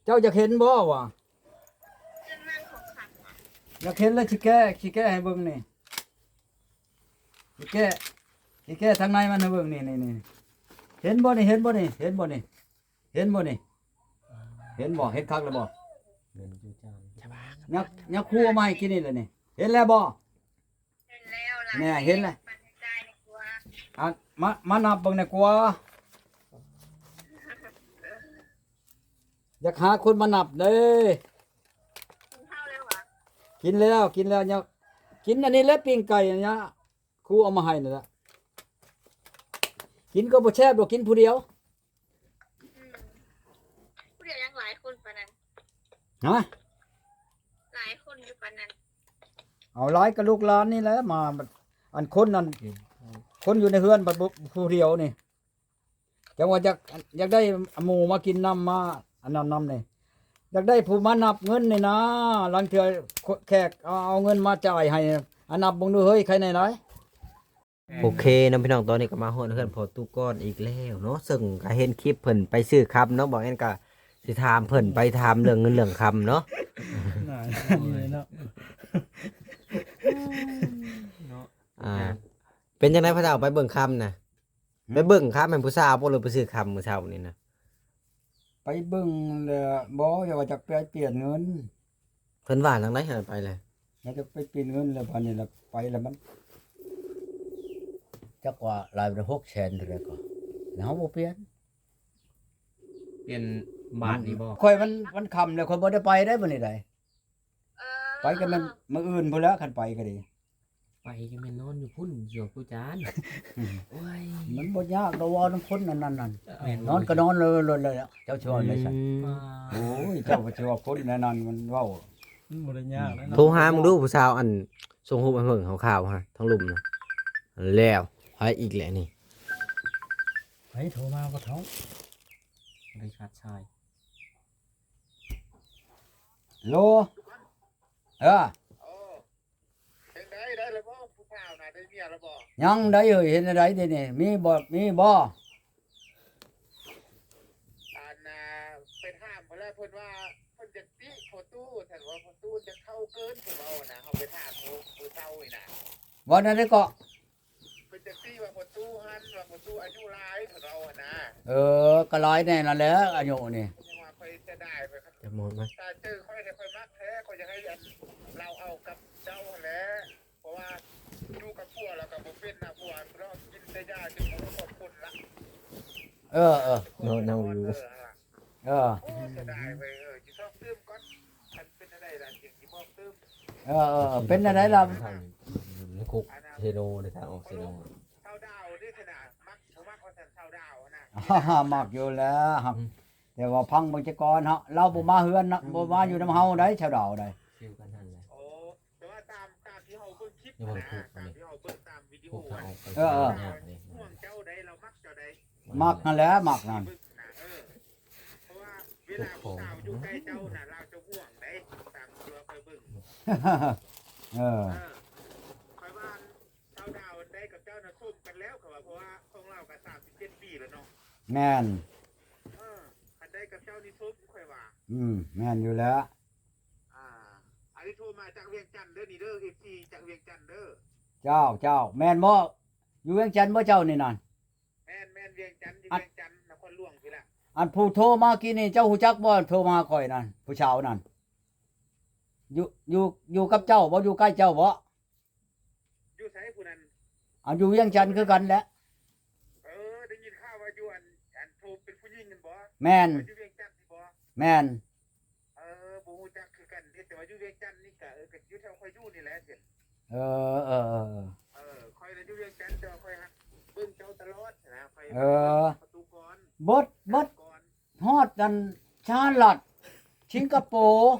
เจ้าจะเห็นบ่วะเรื่องนั่งของขังอ่ะอยากเห็นแล้วสิแก้ให้เบิ่งนี่สิแก้ทางในมันให้เบิ่งนี่เห็นบ่นี่เห็นบ่นี่เห็นบ่นี่เห็นบ่นี่เห็นบ่เห็นคักแล้วบ่เงินจูจานจะบ้ายักครูเอามาให้กินนี่แหละนี่เห็นแล้วบ่เห็นแล้วล่ะเนี่ยเห็นเลยปันใจในกลัวอ่ะมานับเบิ่งในอยกว่าอยากหาคนมานับเด้กินข้าวแล้วหวะกินแล้วเนี่ยกินอันนี้แล้วปิ้งไก่อันเนี้ยครูเอามาให้นี่แหละกินก็บ่แซ่บดอกกินผู้เดียวผู้เดียวยังหลายคนปานนั้นฮะหลายคนอยู่ปานนั้นเอาหลายกับลูกหลานนี่แหละมาอันคนนั้นคนอยู่ในเฮือนบัดบ่ผู้เดียวนี่จังว่าอยากได้หมู่มากินน้ำมาอันนั้นน้ำนี่อยากได้ผู้มานับเงินนี่นะหลังเทื่อแขกเอาเงินมาจ่ายให้อันนับเบิ่งดูเฮ้ยใครไหนไหนโอเคน้องพี่น้องตอนนี้ก็มาฮอดเฮือนพอตู้ก้อนอีกแล้วเนาะซึ่งก็เห็นคลิปเพิ่นไปซื้อคำเนาะบอกงั้นก็สิถามเพิ่นไปถามเรื่องเงินเรื่องคำเนาะ อ่าเป็นจังไดพระเจ้าไปเบิ่งคำน่ะไปเบิ่งคำให้ผู้สาวบ่หรือไปซื้อคำมื้อเช้านี่นะไปเบิ่งแล้วบ่อย่าว่าจะไปเปลี่ยนเงินเพิ่นว่าจังได๋ให้ไปเลยอยากจะไปเปลี่ยนเงินแล้วพันนี่ละไปแล้วมันจักว่าหลายเป็น600,000เท่าไหร่ก็แล้วเฮาบ่เปลี่ยนเปลี่ยนบาทนี่บ่ค่อยมันค่ำแล้วค่อยบ่ได้ไปได้มื้อนี้ได้เออไปกันมันมื้ออื่นพุ่นแล้วคันไปก็ดีไปก็แม่นนอนอยู่พุ่นอยู่ผู้จานโอ้ยมันบ่ยากดอกว่าน้ำคนนั่นแม่นนอนก็นอนเลยแล้วเจ้าชวนเลยซั่นอ่าโอ้ยเจ้าบ่สิว่าคนนั่นมันเว้าบ่ได้ยากแล้วโทรหามึงดูผู้สาวอันส่งรูปให้เบิ่งขาวๆฮะทั้งลุมน่ะแล้วไปอีกแหละนี่ไผโทรมาบ่ท้องได้ขาดชายโลเออเป็นได้แล้วบ่ผู้สาวน่ะได้เมียแล้วบ่ยังได้เอ้ยเห็นอะไรเด้นี่มีบ่อันน่ะเป็นห้ามเพิ่นแล้วเพิ่นว่าเพิ่นจะติพอตู้ท่านว่าพอตู้จะเข้าเกินเพิ่นว่าน่ะเฮาไปถามผู้เฒ่านี่น่ะบ่นั่นได้ก็เพิ่นจะติว่าพอตู้หันว่าพอตู้อายุหลายเพิ่นว่าน่ะก็หลายแน่นั่นแหละอายุนี่เพิ่นว่าไปจะได้ไปครับจะหมดไหมถ้าเจอค่อยได้ค่อยมักแท้ค่อยจะให้อันเราเอากับเจ้าหั่นแหละเพราะว่าอยู่กับผัวแล้วก็บ่เป็นน่ะผัวเรากินแต่ยาจนบ่ครบคนละเออโน่นอยู่เออโอ้จะได้ไปจิชอบตื้มก่อนมันเป็นอะไรล่ะเสียงจิบอกตื้มเป็นอะไรล่ะทางคุกเทโนในทางออกเทโนเท่าดาวนี่ขนาดมักผมมักว่าสันเท่าดาวนะมากอยู่แล้วครับแต่ว่าพังเบิ่งจักก่อนเฮาเราบ่มาเฮือนนะบ่มาอยู่นำเฮาได้ชาวดาวได้ฟิวกันนั่นแหละโอ้แต่ว่าตามที่เขาเบิ่งคลิปนะตามที่เขาเบิ่งตามวิดีโอคุกทางออกไปห่วงเจ้าใดเรามักเจ้าใดมักนั่นแหละมักนั่นเพราะว่าเวลาผู้สาวอยู่ใกล้เจ้าน่ะเราจะห่วงได้ตามตัวคอยเบิ่งเออคอยว่าเท่าดาวได้กับเจ้าน่ะคบกันแล้วเขาว่าเพราะว่าของเราก็37 ปีแล้วเนาะแม่นคันได้กับเจ้านี่ทุบค่อยว่าแม่นอยู่แล้วอันนี้โทรมาจากเวียงจันทน์เด้อนี่เด้อ FC จากเวียงจันทน์เด้อเจ้าแม่นบ่อยู่เวียงจันทน์บ่เจ้านี่นั่นแม่นเวียงจันทน์อยู่เวียงจันทน์นครหลวงพี่ล่ะอันผู้โทรมากี้นี่เจ้าฮู้จักบ่โทรมาข่อยนั่นผู้ชาวนั่นอยู่กับเจ้าบ่อยู่ใกล้เจ้าบ่อยู่ไสผู้นั้นอันอยู่เวียงจันทน์คือกันแหละได้ยินข่าวว่าอยู่อันโทรเป็นผู้หญิงกันบ่แม่นอยู่เวียงจันทน์นี่บ่แม่นบ่ฮู้จักคือกันแต่ว่าอยู่เวียงจันทน์นี่ก็ก็อยู่แถวค่อยอยู่นี่แหละเด้เออค่อยน่ะอยู่เวียงจันทน์แต่ว่าค่อยเบิ่งเจ้าตลอดนะค่อยประตูก่อนบดก่อนฮอดอันชาลัดสิงคโปร์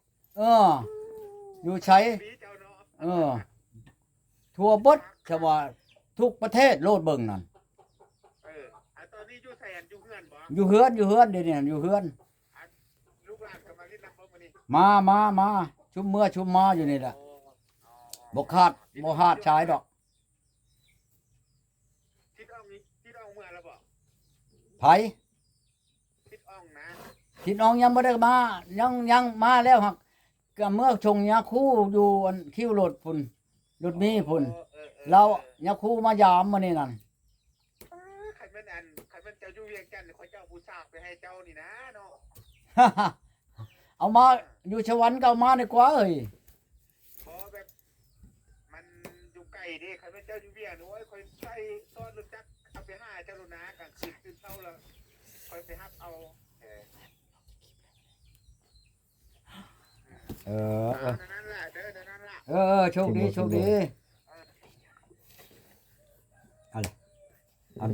อยู่ใช้ปีเจ้าเนาะทั่วบดชาวาทุกประเทศโลดเบิ่งนั่นตอนนี้อยู่ไสอันอยู่เฮือนบ่อยู่เฮือนเดี๋ยวนี้อยู่เฮือนลูกหลานก็มาเล่นน้ำบ่มื้อนี้มาชุมเมื่อชุมมาอยู่นี่แหละบ่คาดบ่ฮาดชายดอกทิดอ่องเมื่อแล้วบ่ไผทิดอ่องนะพี่น้องยังบ่ได้มายังมาแล้วหักก็เมื่อชงยาคู่อยู่อันคิวรถพุ่นรถมีพุ่นเรายาคู่มายามมื้อนี้นั่นคันแม่นเจ้าอยู่เวียงจันทน์เขาเจ้าผู้สาวไปให้เจ้านี่นะเนาะเอามาอยู่สวรรค์ก็เอามาดีกว่าเอ้ยเพราะแบบมันอยู่ไกลเด้คันแม่นเจ้าอยู่เวียงนี่โอ้ยค่อยใช้ซ้อนรถจักรเอาไปหาเจ้าโลนะกันสิตื่นเช้าแล้วค่อยไปรับเอาเออนั่นแหละเด้อนั่นแหละโชคดีโชคดีอะไรอัน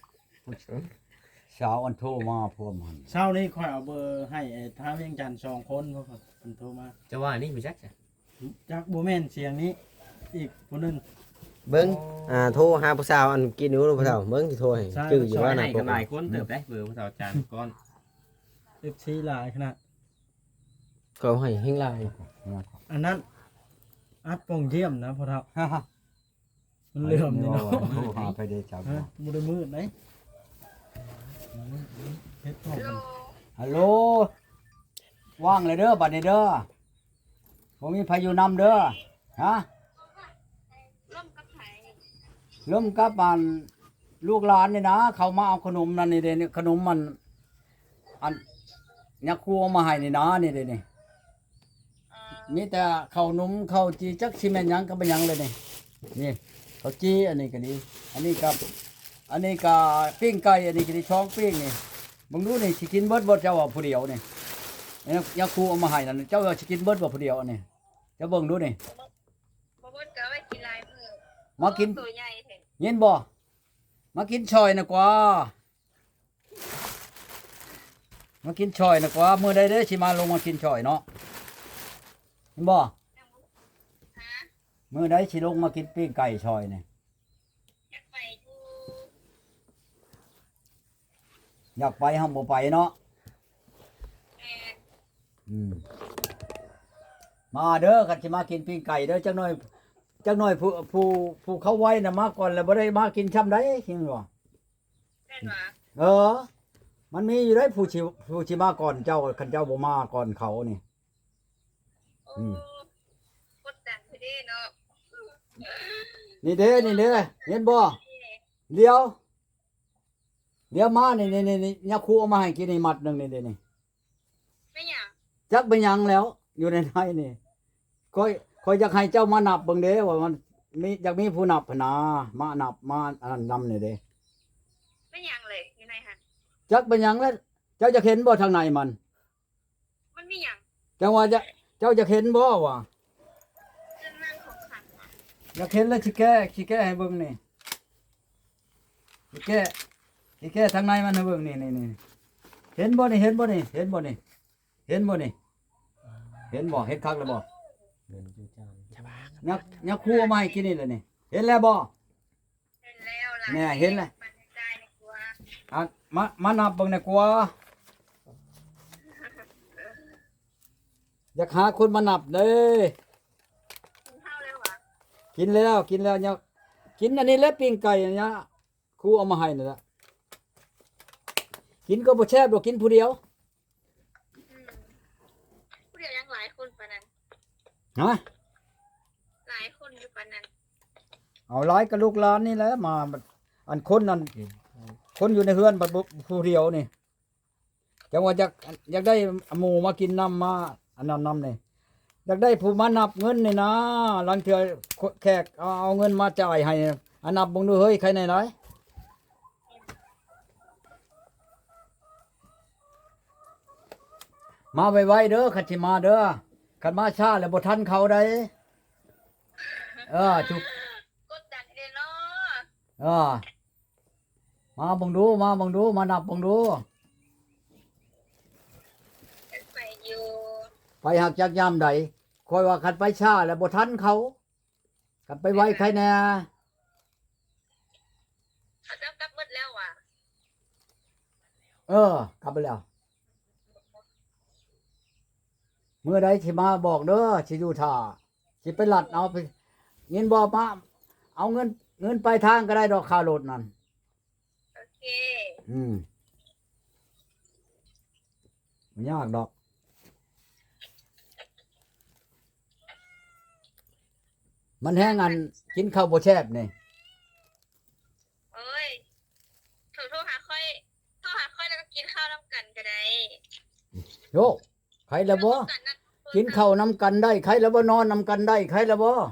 สาวอันโทรมาพวกมันเช้านี้ค่อยเอาเบอร์ให้ไอ้ทางเวียงจันทน์2คนเพราะว่าเพิ่นโทรมาจะว่านี่ไม่จักจ้ะจากบ่แม่นเสียงนี้อีกผู้หนึงเบิ่งโทรหาผู้สาวอันกินอยู่ผู้สาวเบิ่งสิโทรให้ใช่ชื่ออยู่ว่าว่าไหนน่ะก็หลายคนเติบได้เบอร์ผู้สาวจานก้อน FC หลายขนาดก็ให้เฮงหลายอันนั้นอัดปองเยี่ยมนะพ่อเฒ่ามันเหลื่อมนี่เนาะโทรหาไปเด้จ้าฮะบ่ได้มืดไหนเฮ็ดพร้อมโลกันฮัลโหลว่างเลยเด้อบัดนี้เด้อบ่มีพายุนำเด้อฮะร่มกับไผเริ่มกับมันลูกหลานนี่นะเขามาเอาขนมนั่นนี่เด้นี่ขนมมันอันยักษ์ครูเอามาให้นี่นะนี่เด้นี่มีแต่ข้าวหนุ่มข้าวจีจักสิแม่นหยังก็บ่หยังเลยนี่นี่ข้าวจีอันนี้ก็ดีอันนี้กับอันนี้ก็ปิ้งไก่อันนี้ก็ดีช่องปิ้งนี่มึงดูนี่สิกินเบิดบ่เจ้าว่าผู้เดียวนี่ยักษ์ครูเอามาให้นั่นเจ้าว่าสิกินเบิดบ่ผู้เดียวอันนี้เจ้าเบิ่งดูนี่บ่บ่ก็ไว้กินหลายมื้อมากินตัวใหญ่แท้เห็นบ่มากินชอยนะกว่ามากินชอยนะกว่ามื้อใดเด้อสิมาลงมากินชอยเนาะเห็นบ่ฮะมื้อใดสิลงมากินปิ้งไก่ชอยนี่อยากไปอยู่อยากไปเฮาบ่ไปเนาะแม่มาเด้อคันสิมากินปิ้งไก่เด้อจักหน่อยผู้เขาไว้น่ะมาก่อนแล้วบ่ได้มากินช่ำใดคิดบ่แม่นว่าเออ มันมีอยู่ได้ผู้สิมาก่อนเจ้าคันเจ้าบ่มาก่อนเขานี่โอ้กดดันไปเด้เนาะนี่เด้เห็นบ่เดี๋ยวมานี่ยาคูเอามาให้กินนี่มัดหนึงนี่เด้นี่ไม่หยังจักเป็นหยังแล้วอยู่ในไทยนี่คอยอยากให้เจ้ามานับเบิ่งเด้ว่ามันมีอยากมีผู้นับพนนามานับมาอันนั้นนำนี่เด้ไม่หยังเลยอยู่ไหนหั่นจักเป็นหยังแล้วเจ้าจะเห็นบ่ทางไหนมันมันมีหยังจังว่าเจ้าจะเห็นบ่ว่าเรื่องนั่งของขังว่ะอยากเห็นแล้วสิแก้ให้เบิ่งนี่สิแก้ทางในมันให้เบิ่งนี่เห็นบ่นี่เห็นบ่นี่เห็นบ่นี่เห็นบ่นี่เห็นบ่เห็นคักแล้วบ่เงินจูจานยักคู่เอามาให้กินนี่แหละนี่เห็นแล้วบ่เห็นแล้วล่ะแน่เห็นแล้วปันใจในครัวอ่ะมานับเบิ่งหน่อยกว่าอยากหาคนมานับเด้อกินข้าวแล้ววะกินแล้วเนี่ยกินอันนี้แล้วปิ้งไก่อันเนี้ยครูเอามาให้นั่นล่ะกินก็บ่แซ่บดอกกินผู้เดียวผู้เดียวยังหลายคนปานนั้นฮะหลายคนอยู่ปานนั้นเอาหลายกับลูกหลานนี่แหละมาอันคนนั้นคนอยู่ในเฮือนบัดบ่ผู้เดียวนี่จังว่าอยากได้หมู่มากินน้ำมาอันนั้นน้ำนี่อยากได้ผู้มานับเงินนี่นะหลังเทื่อแขกเอาเงินมาจ่ายให้อันนับเบิ่งดูเฮ้ยใครไหนหลายมาไวๆเด้อคันสิมาเด้อคันมาช้าแล้วบ่ทันเขาได้จุกกดดันเด้เนาะมาเบังดูมานับเบังดูอยากไปอยู่ไปหักจากยามใดคอยว่าคันไปช้าแล้วบ่ทันเขาคันไปไวใครแน่เขาจะกลับหมดแล้วว่ะกลับไปแล้วเมื่อใดสิมาบอกเด้อสิอยู่ท่าสิไปลัดเอาไปเงินบ่มาเอาเงินไปทางก็ได้ดอกค่ารถนั่นโอเคอืมมันยากดอกมันแห้งอันกินข้าวบ่แซ่บนี่เอ้ยโทรหาค่อยแล้วก็กินข้าวน้ำกันก็ได้โยใครละบ่กินข้าวนำกันได้ใครละบ่นอนนำกันได้ใครละบ่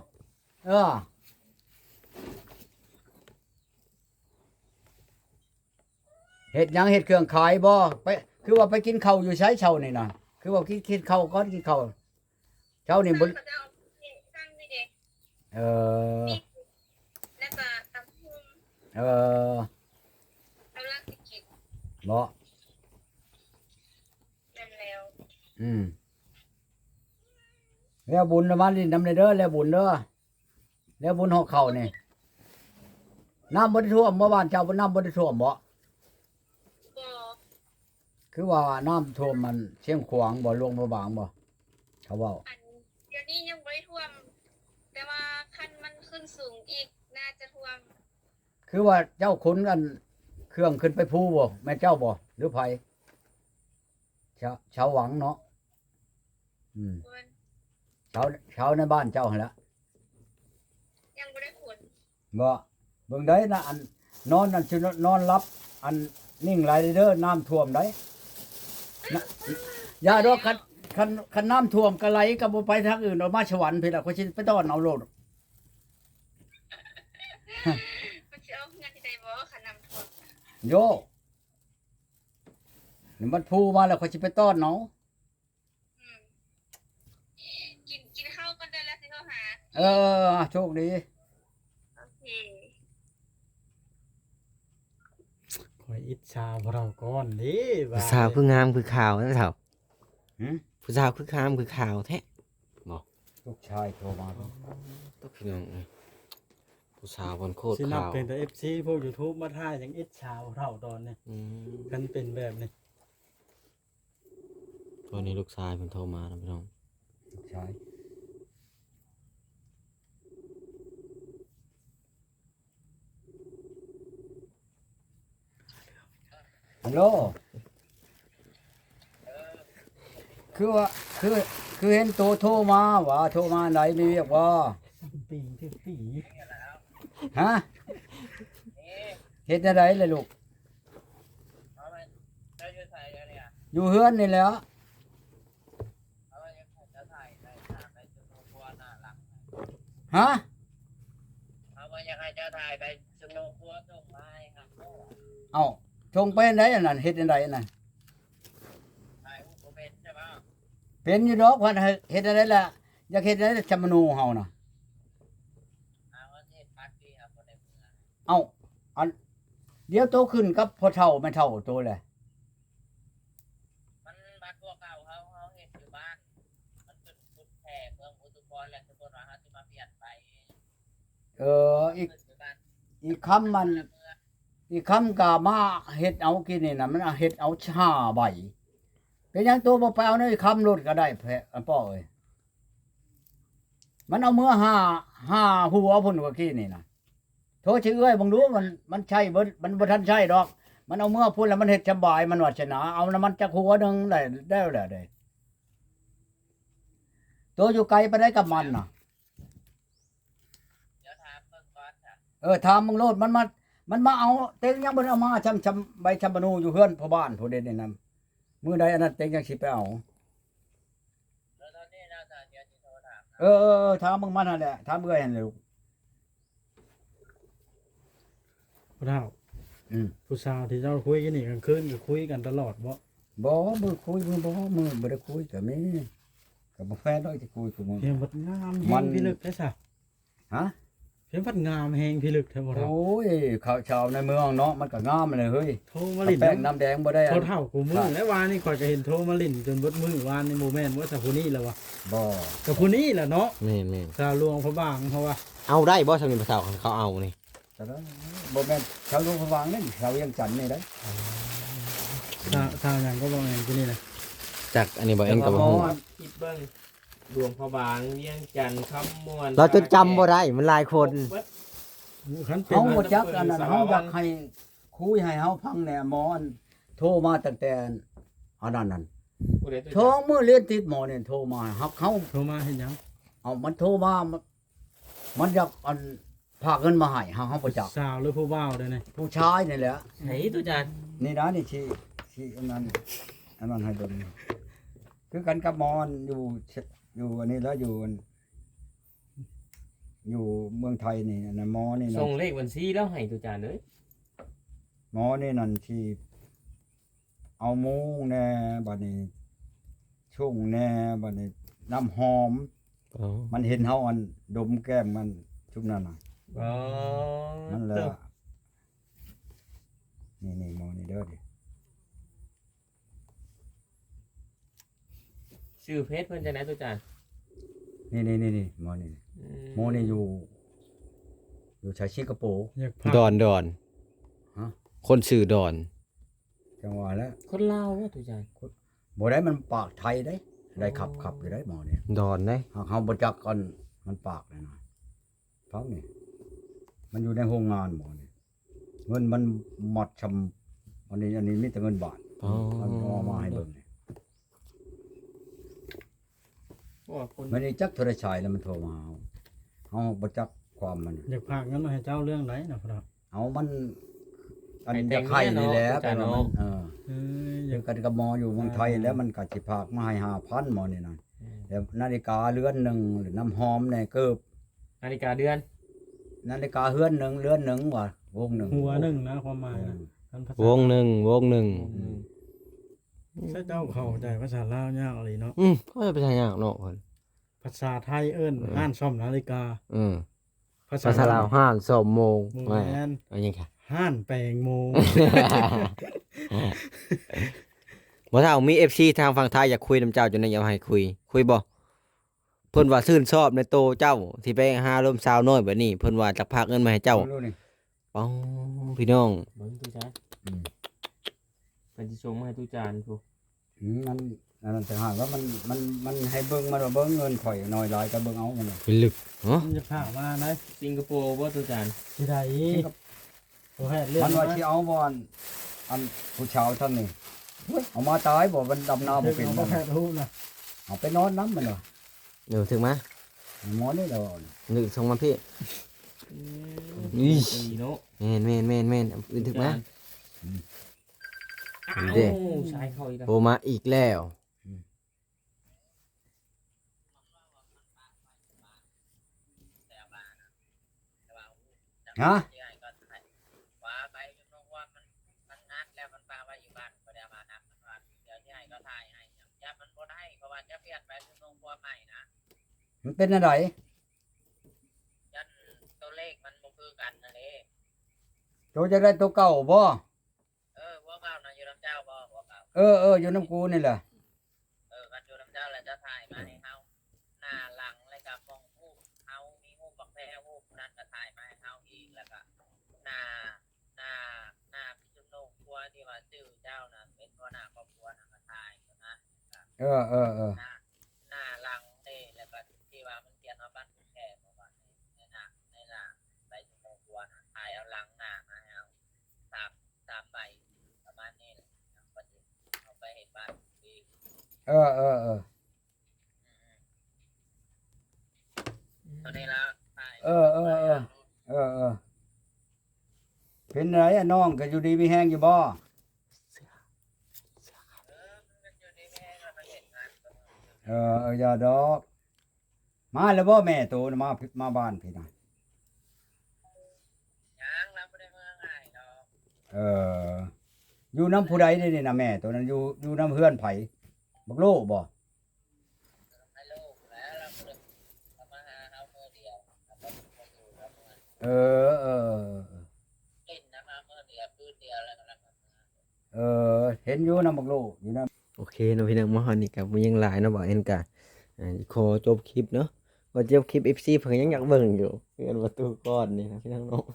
เฮ็ดหยังเฮ็ดเครื่องขายบ่ไปคือว่าไปกินข้าวอยู่ใช้เช้านี่น่ะคือว่ากินข้าวก่อนกินข้าวเช้านี่บ่เขาจะเอาตั้งนี่เด็กเออแล้วก็ตำพุ่มเออกำลังสิกินบ่นั่นแล้วแล้วบุญละมันนี่นำเด้อแล้วบุญเด้อแล้วบุญหอกเข้านี่น้ำบ่ได้ท่วมเมื่อวานเจ้าบ่น้ำบ่ได้ท่วมบ่บ่คือว่าน้ำท่วมมันเชียงขวางบ่ลงบ่บางบ่เขาเว้าอันเดี๋ยวนี้ยังบ่ได้ท่วม แต่ว่าคันมันขึ้นสูงอีกน่าจะท่วมคือว่าเจ้าขนกันเครื่องขึ้นไปภูบ่แม่เจ้าบ่หรือไผชาวหวังเนาะเพิ่นชาวในบ้านเจ้าหั่นละยังบ่ได้ขนบ่เบิ่งได้นะอันนอนนั่นสินอนรับอันนิ่งไหลเด้อน้ำท่วมได้นะอย่าดอกคันน้ำท่วมก็ไหลก็บ่ไปทางอื่นออกมาสวรรค์พี่ล่ะเขาสิไปต้อนเอาโลดมันสิเอาเงินที่ใดบ่คันน้ำท่วมโยนี่มันพูมาแล้วเขาสิไปต้อนเนาะอืมกินข้าวกันได้แล้วสิโทรหาโชคดีโอเคคอยอิจฉาพวกเราก่อนเด้ผู้สาวคืองามคือขาวนะเฒ่าหืมผู้สาวคืองามคือขาวแท้ลูกชายโทรมาต้องพี่น้องเอ้ยผู้สาวมันโคตรสินับขาวเป็นแต่ FC พวก YouTube มาถ่ายอย่างอิจฉาพวกเราตอนนี้อืมกันเป็นแบบนี้วันนี้ลูกชายมันโทรมานะพี่น้องลูกชายฮัลโหลคือว่าคือเห็นตัวโทรมาว่าโทรมาไหนมีเรียกว่าปีที่ปีฮะเฮ็ดอะไรเลยลูกเอาไปได้ยืดใส่เดี๋ยวนี้อยู่เฮือนนี่แหล้วเอาไปยังจะถ่ายได้ถ่ายไปจนครัวหน้าหลังฮะเอาไปยังให้เจ้าถ่ายไปจนครัวส่งมาให้ครับเอ้าชงไปไหนอันนั้นเฮ็ดอันใดอันนั้นถ่ายรูปผมเป็นใช่ไหมเป็นอยู่ดอกว่าเฮ็ดอะไรล่ะอยากเฮ็ดอะไรจำนูเฮาน่ะเอาที่ปักที่ครับคนในเมืองเอ้าอันเดี๋ยวโตขึ้นกับพ่อเฒ่าแม่เฒ่าโตแหละมันบัดพวกเก่าเขาเห็นอยู่บ้านมันเป็นพุทธแท้เมืองอุตุพรและทุกคนว่าเขาจะมาเปลี่ยนไป อีกคำมันอีกคำกามาเฮ็ดเอากินนี่น่ะมันเฮ็ดเอาชาใบเป็นหยังตัวบ่ไปเอาในคำรถก็ได้แพ้ป้อเอ้ยมันเอามือห้าหัวพุ่นกว่ากี้นี่น่ะโทษชื่อเอ้ยบ่รู้มันใช่มันบ่ทันใช่ดอก มันเอามือพุ่นแล้วมันเฮ็ดสบายมันวัชนาเอาน้ำมันจักหัวหนึงได้แล้วได้ตัวอยู่ไกลไปได้กับมันน่ะเดี๋ยวถามเบิ่งก่อนค่ะถามมึงโลดมันมาเอาเต็งยังบ่ได้เอามาชำใบชำบะนูอยู่เฮือนพ่อบ้านผู้เด่นนี่นำมื้อใดอันนั้นเต็งยังสิไปเอาแล้วตอนนี้เราจะเดี๋ยวจะโทรถามถามมึงมันนั่นแหละถามเอื้อยหั่นแหละลูกพวกเรา ผู้สาวที่เจ้าคุยกันนี่กลางคืนก็คุยกันตลอดบ่บ่มือคุยมือบ่ได้คุยก็มีก็บ่แฟนดอกสิคุยกับมึงเพียงวัดงามมัแหนงพิลึกได้ซะฮะเพียงวัดงามแหงพิลึกแท้บ่เราโอ้ยข้าวชาวในเมืองเนาะมันก็งามเลยเฮ้ยโทรมาลิ้นแป้งน้ำแดงบ่ได้อัโทรนเท่ากูมือแล้ววานนี่ข่อยก็เห็นโทรมาลิ้นจนเบิดมือวานในโมแม่นว่าซะผู้นี้แหละวะบ่ก็ผู้นี้แหละเนาะแม่นสาวหลวงพระบางเพราะว่าๆเอาได้บ่สามีผู้สาวเขาเอานี่แต่นั้นบ่แม่นชาวโรงพยาบาลนี่ชาวเวียงจันทน์นี่ได้สาวหยังก็บ่แม่นผู้นี้นะจากอันนี้บ่เอ็นก็บ่ฮู้คิดเบิ่งดวงพระบางเวียงจันทร์คำม่วนเราจนจำบ่ได้มันหลายคนคันเป็นเฮาบ่จักอันนั้นเฮาอยากให้คุยให้เฮาฟังแหน่หมออันโทรมาตั้งแต่อันนั้นผู้ใดตัวโทรมื้อเรียนติดหมอเนี่ยโทรมาฮักเขาโทรมาเฮ็ดหยังเอามันโทรมามันอยากอันฝากเงินมาให้เฮาบ่จักสาวหรือผู้บ่าวเด้อนี่ผู้ชายนี่แหละไหนตุจานนี่นะนี่ที่อันนั้นให้เบิ่งคือกันกับหมอนอยู่อันนี้แล้วอยู่เมืองไทยนี่อันนั้นหมอนี่นะส่งเลขบัญชีแล้วให้ตุจานเลยหมอนี่นั่นที่เอามุ้งแน่บัดนี้ชุ่งแน่บัดนี้น้ำหอมอ๋อมันเห็นเฮาอันดมแก้มมันชุบนั่นน่ะอ๋อนั่นแหละนี่หมอนี่เด้อดิชื่อเพจเพิ่นจังได๋ตุจานนี่หมอนี่หมอนี่อยู่ชายสิงคโปร์อยากพาดอนฮะคนชื่อดอนจังหวะแล้วคนลาวว่าตุจานบ่ได้มันปากไทยได้ขับอยู่ได้หมอนี่ดอนได้หากเฮาบ่จักกันมันปากเลยนะฟังนี่มันอยู่ในโรงงานหมอนี่เงินมันหมดชำอันนี้มีแต่เงินบาทอ๋อมันเอามาให้เบิ่งนี่ว่าคนมันนี่จักโทรศัพท์แล้วมันโทรมาเฮาบ่จักความมันอยากพากเงินมาให้เจ้าเรื่องไหนนะครับเอามันอันจะไข่นี่แหละแต่ว่ามันอออเดียายวกกันกับหมออยู่เมืองไทยแล้วมันก็สิพากมาให้5,000หมอนี่นั่นแล้วนาฬิกาเรือนหนึงหรือน้ำหอมแน่เกิบนาฬิกาเดือนนาฬิกาเรือนหนึงว่าวงหนึงหัวหนึ่งนะความหมายนะท่านภาษาวงหนึ่งใช่เจ้าเข้าใจภาษาลาวยากอะไรเนาะก็จะไปทางยากเนาะคนภาษาไทยเอิ้นห้านซ่อมนาฬิกาภาษาลาวห้านสมโมงแม่นอันนี้ค่ะห้านแปลงโมบ่ถ้าเอามี FC ทางฝั่งไทยอยากคุยนํเจ้าจนได้อยากให้คุยบ่เพิ่นว่าชื่นชอบในโตเจ้าที่ไปหาลมสาวน้อยแบบนี้เพิ่นว่าจะพากเงินมาให้เจ้ารู้นี่ป้องพี่น้องเบิ่งตุจานอืมเพิ่นสิส่งมาให้ตุจานพูมันนั่นแต่หากว่ามันให้เบิ่งมันว่าเบิ่งเงินข่อยน้อยหลายก็เบิ่งเอามันน่ะเป็นลึกเนาะมันจะพามาไหนสิงคโปร์บ่ตุจานที่ใดโอ้แฮดเรื่องมันว่าสิเอาบ่อันผู้ชาวทั้งนี้เอามาตายบ่มันดำนาบ่เป็นเอามับ่นแฮดฮู้นะเอาไปนอนน้ำมันเหรอเดี๋ยวถึงมาหมอนี่เดี๋ยวนึกส่งมาพี่อีอีเนาะแม่นอื่นถึงมาอ้าวเด้ชายเข้าอีกแล้วโทรมาอีกแล้วฮะว่าไปจนลงว่ามันนัดแล้วมันปาไว้อยู่บ้านก็ได้มานับมันว่าเดี๋ยวที่ให้ก็ถ่ายให้ยับมันบ่ได้เพราะว่าจะเปลี่ยนไปจนลงว่าใหม่นะมันเป็นอะไรยันตัวเลขมันบ่คือกันนั่นเองโจจะได้ตัวเก่าบ่ว่าเก่านะอยู่น้ำเจ้าบ่ว่าเก่าอยู่น้ำกูนี่แหละกันอยู่น้ำเจ้าแล้วจะถ่ายมาให้เฮาหน้าหลังแล้วก็มองรูปเฮามีรูปบักแพรรูปนั้นก็ถ่ายมาให้เฮาอีกแล้วก็หน้าพี่จุ๊บโลกครัวที่ว่าชื่อเจ้าน่ะเป็นหัวหน้าครอบครัวน่ะก็ถ่ายนะเออหน้าหลังแล้วก็ที่ว่ามันเขียนว่าบ้านคุณแค่เพราะว่าในหน้าใบชมพูนะถ่ายเอาหลังหน้ามาเอาสามใบประมาณนี้ก็จะเอาไปเห็นบ้านดีเออตอนนี้แล้วถ่ายเออเป็นไรอะน้องก็อยู่ดีมีแห้งอยู่บ่มันอยู่ในแม่ก็ไปเห็นงานอย่าดอกมาแล้วบ่แม่โตน่ะมาบ้านพี่น่ะยังเราไม่ได้เมื่อง่ายเนาะอยู่น้ำผู้ใดนี่นะแม่ตัวนั้นอยู่น้ำเฮือนไผบักโลบ่ให้ลูกแล้วเราก็เลยมาหาเขาเมื่อเดียวแล้วก็มาอยู่แล้วมาเออเล่นนะมาเมื่อเดียวคืนเดียวแล้วก็เห็นอยู่น้ำบักโลอยู่น้โอเคเนาะพี่น้องมาฮอดนี่ก็บ่ยังหลายเนาะบ่เอ็นกะขอจบคลิปเนาะว่าจบคลิป FC เพิ่นยังอยากเบิ่งอยู่เพื่อนประตูก้อนนี่นะพี่น้องเนาะ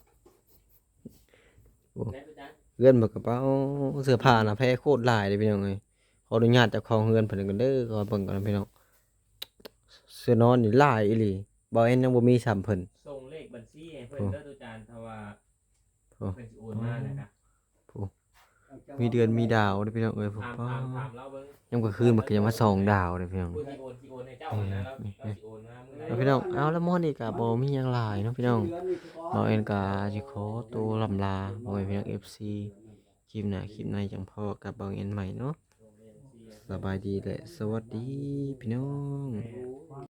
ได้ตุจานเพื่อนบอกกับเป้าเสื้อผ้าน่ะแพ้โคตรหลายเลยพี่น้องเอ้ยขออนุญาตเจ้าของเฮือนเพิ่นกันเด้อขอเบิ่งก่อนนะพี่น้องเสื้อนอนนี่หลายอีหลีบ่เอ็นยังบ่มีซ้ำเพิ่นส่งเลขบัญชีให้เพิ่นเด้อตุจานถ้าว่าเพิ่นสิโอนมานะครับมีเดือนมีดาวเด้อพี่น้องเอ้ยผมถามเราเบิ่งยังกลางคืนมันก็ยังมาส่องดาวเด้อพี่น้องผู้ที่โอนให้เจ้านะเราสิโอนมามื้อใดแล้วพี่น้องเอาแล้วมื้อนี้ก็บ่มีหยังหลายเนาะพี่น้องบ่เอ็นก็สิขอตัวลำลาบ่ให้พี่น้อง FC คลิปหน้าคลิปในจังพอกับบ่เอ็นใหม่เนาะสบายดีและสวัสดีพี่น้อง